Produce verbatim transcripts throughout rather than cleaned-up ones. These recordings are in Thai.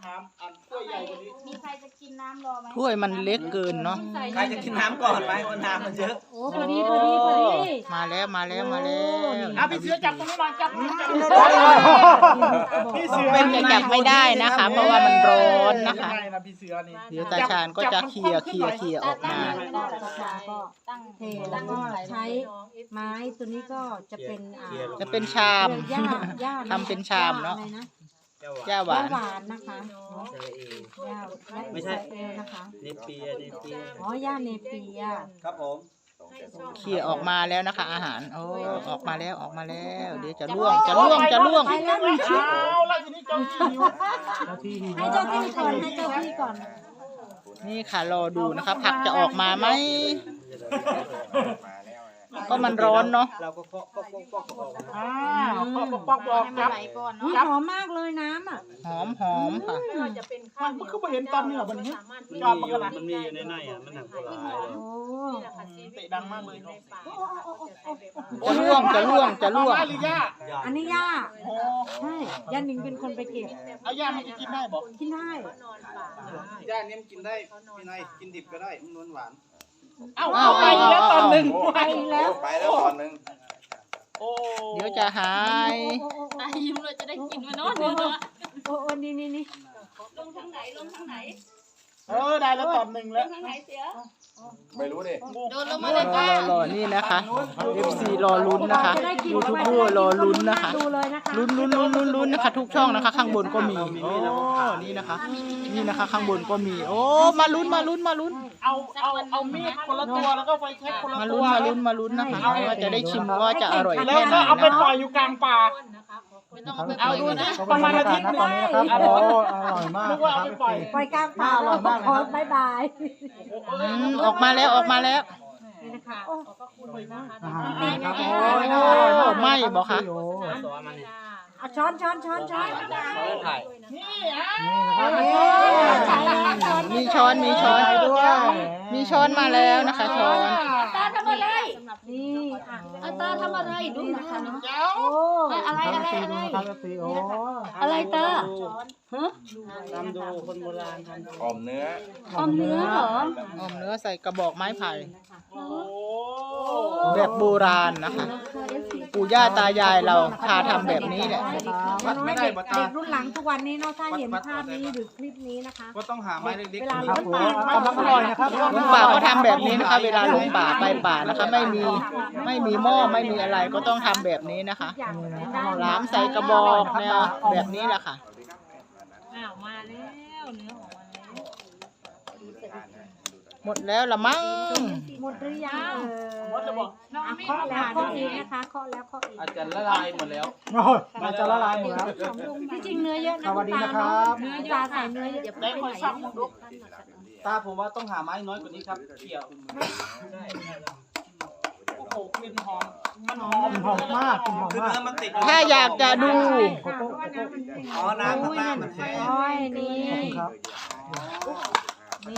น้ำอันถ้วยใหญ่กว่านี้มีใครจะกินน้ำรอไหมถ้วยมันเล็กเกินเนาะใครจะกินน้ำก่อนไหมคนน้ำมันเยอะโอ้พอดีพอดีพอดีมาแล้วมาแล้วมาแล้วอ่ะพี่เสือจับตรงนี้หน่อยจับจับพี่เสือเป็นจะจับไม่ได้นะคะ เพราะว่ามันร้อนนะคะนะพี่เสือนี่เดี๋ยวตาชาญก็จะเคลียร์เคลียร์เคลียร์ออกมาก็ตั้งเทแล้วก็ใช้ไม้ตัวนี้ก็จะเป็นอ่าจะเป็นชามหญ้าหญ้าทำเป็นชามเนาะอะไรนะย่าหวานหวานนะคะหญ้าไม่ใช่เอลนะคะเนเปียเนเปียอ๋อหญ้าเนเปียครับผมเคลียร์ออกมาแล้วนะคะ อาหารโอ้ออกมาแล้วออกมาแล้ว เดี๋ยวจะล่วงจะล่วงจะล่วงไปแล้วมีชิ้นเอาแล้วทีนี้เจ้าที่หิวให้เจ้าที่ก่อนให้เจ้าที่ก่อนนี่ค่ะรอดูนะคะ ผักจะออกมาไหมก็มันร้อนเนาะเราก็เคาะป๊อกป๊อกป๊อกป๊อกอ้าวปอกปอกปอกให้มันจับไหลก่อนเนาะอุ๊ยหอมมากเลยน้ำอ่ะหอมหอมค่ะมันคือมาเห็นตอนเนื้อบันนี้มันจอบมีมันอยู่กันนะมันมีอยู่ในในอ่ะมันหนักกว่าหลายโอ้เตะดังมากเลยจะล่วงจะล่วงจะล่วงเอาหรือย่าอันนี้ย่าโอ้ใช่ย่าหนิงเป็นคนไปเก็บเอาย่ามันจะกินได้บอกกินได้ย่าเนี่ยมันกินได้พี่นายกินดิบก็ได้มันนวลหวานเอ้าเอาไปแล้วตอนหนึ่งไปแล้วไปแล้วตอนหนึ่งโอ้เดี๋ยวจะหายตายยิ้มเลยจะได้กินมาเนาะเนื้อโอ้โอ้นี่นี่นี่ลงทางไหนลงทางไหนเออได้แล้วตอนหนึ่งแล้วทางไหนเสียไม่รู้ดิโดนลงรมาอเลยรป้าอรอนี่นะคะ เอฟ ซี รอลุ้นนะคะยูทูบเบอร์รอลุ้นนะคะดูเลยนะคะลุ้นลุ้นลุ้นลุ้นลุ้นนะคะ ทุกช่องนะคะ ข้างบนก็มีโอ้นี่นะคะ นี่นะคะ ข้างบนก็มี โอ้มาลุ้นมาลุ้นมาลุ้นเอาเอาเอามีดคนละตัวแล้วก็ไฟแช็กคนละมาตัลุ้วนมาลุ้นมาลุ้นนะคะว่าจะได้ชิมว่าจะอร่อยแล้วแค่ไหนก็เอาไปนะปล่อยอยู่กลางป่าไม่ต้องเอาไปเอาดูปล่อยนะนะประมาณอาทิตย์หนึงตอนนี้นะครับโอ้อร่อยมากนึกว่าเอาไปปล่อยปล่อยกลางป่าแล้วขอบายบายอืมออกมาแล้วออกมาแล้วนี่นะคะโอ้อาหารครับโอ้ไม่บอกค่ะตัวมันนี่เอาช้อนช้อนช้อนช้อนถ่ายนี่อ่ะนี่นะครับมีช้อนมีช้อนด้วยมีช้อนมาแล้วนะคะช้อนตาทำอะไรนี่อ่ะอาตาทำอะไรดูนะคะเจ้าโอ้อะไรครับอะไรซีอะไรดูนะครับซีโอ้อะไรตาทำดูคนโบราณทำดูออมเนื้อออมเนื้อเหรออมเนื้อใส่กระบอกไม้ไผ่โอ้แบบโบราณนะคะ ปู่ย่าตายายเราพาทำแบบนี้แหละไม่ได้เด็กบัตตาเด็กรุ่นหลังทุกวันนี้เนาะถ้าเห็นภาพนี้หรือคลิปนี้นะคะก็ต้องหาไม้เล็กเวลาครับลงผมป่ากำลังอร่อยนะครับลุงป่าก็ทำแบบนี้นะคะ เวลาลงป่าไปป่านะคะ ไม่มีไม่มีหม้อไม่มีอะไรก็ต้องทำแบบนี้นะคะอย่างกินได้หลามใส่กระบอกแนวแบบนี้แหละค่ะอ้าวมาแล้วเนื้อของมันแล้วหมดแล้วละมั้งหมดหรือยังเออว่าจะบอกอ่ะเคาะแล้วเคาะอีกนะคะเคาะแล้วเคาะอีกอาจจะละลายหมดแล้วโอ้ยมันจะละลายหมดแล้วที่จริงเนื้อเยอะนะสวัสดีนะครับเนื้อตาใส่เนื้อเยอะได้คนสั่งหมดลูกตาผมว่าต้องหาไม้น้อยกว่านี้ครับเกี่ยวโอ้โหกลิ่นหอมมันหอมกลิ่นหอมมากกลิ่นหอมคือมากเนื้อมันติดถ้าอยากจะดูอ๋อน้ำข้างล่างมันแห้งโอ้ยนี่ขอบคุณครับนี่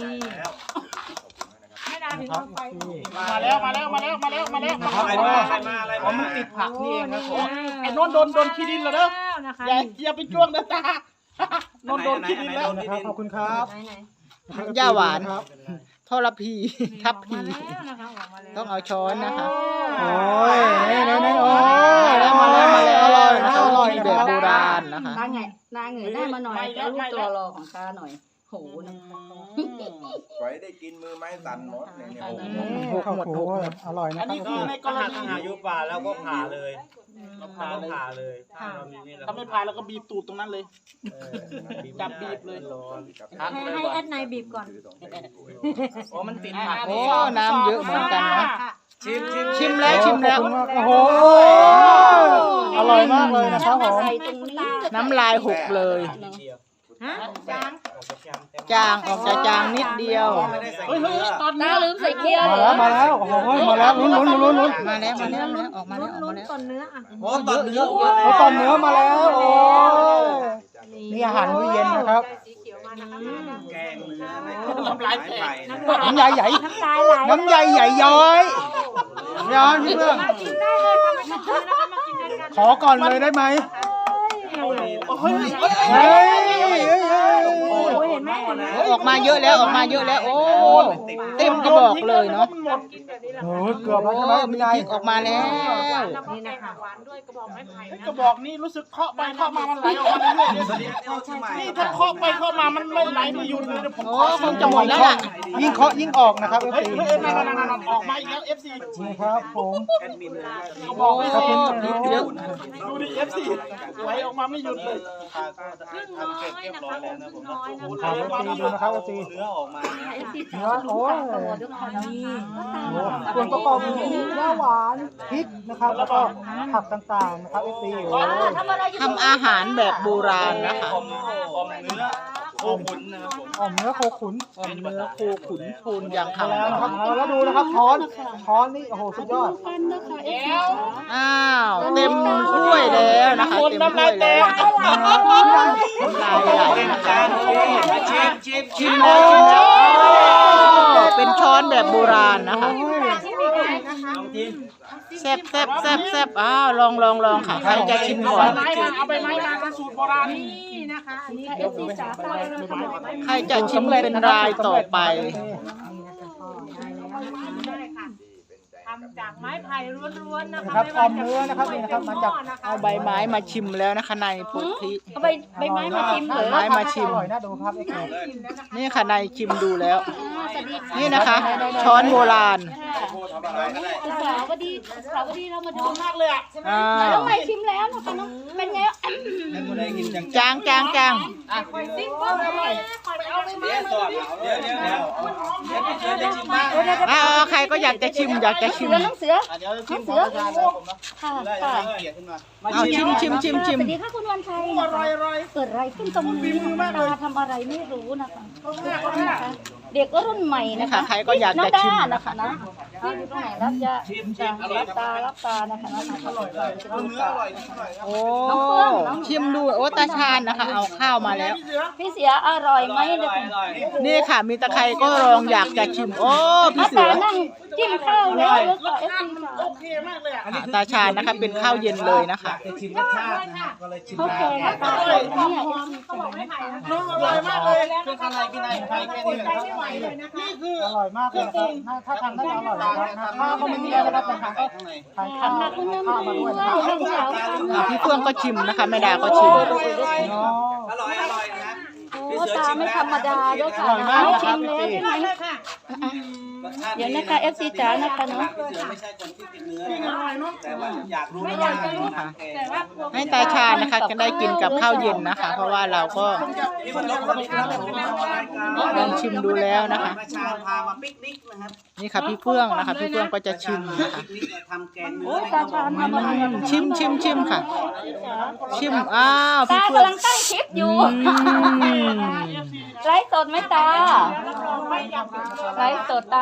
นะครับนี่มาแล้วมาแล้วมาแล้วมาแล้วมาแล้วนะคอะไรรับมาอะไรมาอะไรมามันติดผักนี่เองครับผมไอ้นนโดนโดนขี้ดินแล้วเด้อนะคะอย่าอย่าไปจ้วงนะตา นนโดนขี้ดินแล้วนะครับขอบคุณครับไหนไหนย่าหวานครับทรพีทับพีนะคะออกมาแล้วต้องเอาช้อนนะคะโอ้ยนี่นี่นี่โอ้ยมาแล้วมาแล้วอร่อยนะนะคะ อร่อยมีนะแบครับบโบราณนะคะนางไงนางเงยได้มาหน่อยแล้วรูปตัวรอของตาหน่อยโหนะไว้ได้กินมือไม้สั่นหมดเนี่ยเนี่ยอืมหกหมดหกหมดอร่อยนะอันครันี้บคือในกรถ้าณีหายุป่าแล้วก็ผ่าเลยเราผ่าเราผ่าเลยเรามีมีดถ้าไม่พายแล้วก็บีบตูดตรงนั้นเลย จับบีบเลยร้อนให้ให้แอดไนบีบก่อนอ๋อมันติดผักโอ้น้ำเยอะเหมือนกันเนาะชิมชิมชิมแล้วชิมแล้วขอบคุณากโอ้โหอร่อยมากเลยนะครับผมใส่ตรงนี้น้ำลายหกเลยฮะจางจางออกจะจางนิดเดียวไม่ได้ใส่เฮ้ยเกเฮ้ลืยอตอนตานี้ลืมใส่เกียร์มาแล้วมาแล้วโอ้โหมาแล้วลุ้นลุ้นลุ้นลุ้นมาแล้วมาแล้วออกมาแล้วออกลุ้มาน แล้วก่อนเนื้ออ่ะโอ้ตอนเนื้อโอ้ตอนเนื้อมาแล้วโอ้ยนี่อาหารมื้อเย็นนะครับแกงเนื้อในน้ำลายแตกน้ำใหญ่ใหญ่น้ำลายไหลน้ำใหญ่ใหญ่ย้อยย้อยพี่เพื่อนกินได้เลยค่ะไม่ต้องซื้อนะคะมากินด้วยกันขอก่อนเลยได้ไหมโอ้โหเฮ้ยเฮ้ยเฮ้ยเฮ้ยมาเยอะแล้วออกมาเยอะแล้วโอ้เต็มกระบอกเลยเนาะกินแบบนี้แหละโอ้ยเกือบแล้วโอ้ใช่ไหมมีพี่พนายริกออกมาแล้วแล้วก็แกงหวานด้วยกระบอกไม้ไผ่นะกระบอกนี้รู้สึกเคาะไปเคาะมามันไหลออกมาเรื่อยๆนี่ถ้าเคาะไปเคาะมามันไม่ไหลไม่หยุดเลยเดี๋ยวผมโอ้เคาะคงจะหมดแล้วล่ะยิ่งเคาะยิ่งออกนะครับเอฟเฮ้ยซีเฮ้ยนั่นนั่นนั่นออกมาอีกแล้ว เอฟ ซีนี่ครับผมกระบอกไม่โอ้เคาะพริกเยอะดูดิ เอฟ ซี ไหลออกมาไม่หยุดเลยครึ่งน้อยนะคะครึ่งน้อยนะถามคะเอฟซีดูนะครับเอฟซีเนื้อออกมาเนื้อโอ้ยโอ้ส่วนประกอบมีย่าหวานพริกนะครับ แล้วก็ผักต่างๆนะครับเอฟซีโอ้ยทำอาหารแบบโบราณนะคะอมอมเนื้อโคขุนนะครับผมอ่อมเนื้อโคขุนอมเนื้อโคขุนพูนอย่างมาคำแล้วนะครับแล้วดูนะครับช้อนช้อนนี่โอ้โหสุดยอดอ้าวเต็มถ้วยแล้วนะคะเต็มถ้วยแล้วน้ำลายไหลนะคะชิมชิมชิมแล้วชิมแล้วโอ้เป็นช้อนแบบโบราณนะคะลองกินแซ่บแซ่บแซ่บแซ่บอ้าวลองลองลองค่ะใครจะชิมก่อนไม้มาเอาไปไม้มาเป็นสูตรโบราณนี่นะคะอันนี้เอฟซีจ๋าฟังเลยนะคะบอกไม้ใครจะชิมเป็นรายต่อไปได้ค่ะทำจากไม้ไผ่ล้วนๆนะนะคะ ครับออมเนื้อนะครับนี่นะครับมาจากเอาใบไม้มาชิมแล้วนะคะในโพธิเอาใบใบไม้มาชิมเหรอไม้มาชิมอร่อยน่าดูครับเอ็กซ์นี่ค่ะในชิมดูแล้ว นี่นะคะ ช้อนโบราณสาวดีสาวดีเรามาดูมากเลยอ่ะอ้าวน้องใหม่ชิมแล้วนะคะน้องเป็นไงจางจางจางซิ่งก็อร่อยเอาไปมาเดี๋ยวเดี๋ยวเดี๋ยวเดี๋ยวพี่เสือจะชิมบ้างอ้าวใครก็อยากจะชิมอยากจะชิมเสือน้องเสือเดี๋ยวชิมของประชาชนผมนะค่ะได้ค่ะเกียรติขึ้นมาเอาชิมชิมชิมชิมสวัสดีค่ะคุณวันชัยอร่อยอร่อยเกิดอะไรขึ้นตรงนี้ตาทำอะไรไม่รู้นะคะเด็กรุ่นใหม่นี่นะค่ะคะใครก็อยากน้อจะงชิมด้านะคะนะที่อยู่ตรงไหนรับยาจะรับตารับตานะคะนะอร่อยเลยจะดูเนื้อตาอร่อยนิดหน่อยครับโอ้ชิมดูโอ้ตาชาญนะคะ เอาข้าวมาแล้วพี่เสียอร่อยไหมอเด็กร่อยอร่อยนี่ค่ะ มีตะไคร้ก็ลองอยากจะชิม โอ้พี่น้าเสืตาอนั่งจิ้มข้าวแล้วแล้วก็เอฟซีค่ะโอเคมากเลยอ่ะอ่าตาชาญนะคะ เป็นข้าวเย็นเลยนะคะชิมรสชาตินะครับก็เลยชิมเขาได้แกงน้ำตาเลยเนี่ยเขาบอกไม้ไผ่นะคะอร่อยมากเลยคืออะไรกินอะไรใครแค่นี้ใจไม่ไหวเลยนะคะนี่คืออร่อยมากเลยนะครับถ้าถ้าทานได้อร่อยนะครับข้าวก็ไม่มีอะไรนะครับแต่ทานก็ทานข้าวค่ะคุณน้ำข้าวด้มาด้วยวนะครับยน้องสาวค่ะอ่าพี่เฟื่องก็ชิมนะคะแม่ดาก็ชิมอ๋ออร่อยอร่อยนะครับโอ้ตาไม่ธรรมดาด้วยค่ะอร่อยมากนะคชิรับมแล้วพี่ใช่ไหมเดี๋ยวนะคะเอฟซีจ๋านะคะเนาะพี่เสือไม่ใช่คนที่กินเนื้อนะครับแต่ว่าอยากรู้ไม่ว่าอยากจะรู้ค่ะแต่ว่าให้ตาชาญนะคะจะได้กินกับข้าวเย็นนะคะ เพราะว่าเราก็นี่มันลบคนที่ทำผมมารายการลองชิมดูแล้วนะคะประชาพามาปิกนิกนะครับนี่ค่ะพี่เฟื่องนะคะ พี่เฟื่องก็จะชิมนะคะปิกนิกทำแกงเนื้โอ้อยตาชาญทำอะไรอืมชิมชิมชิมค่ะ ชิมอ้าวตาพี่เฟื่องกำลังตั้งคลิปอยู่อืมไลฟ์สดไหมตาไลฟ์สดตา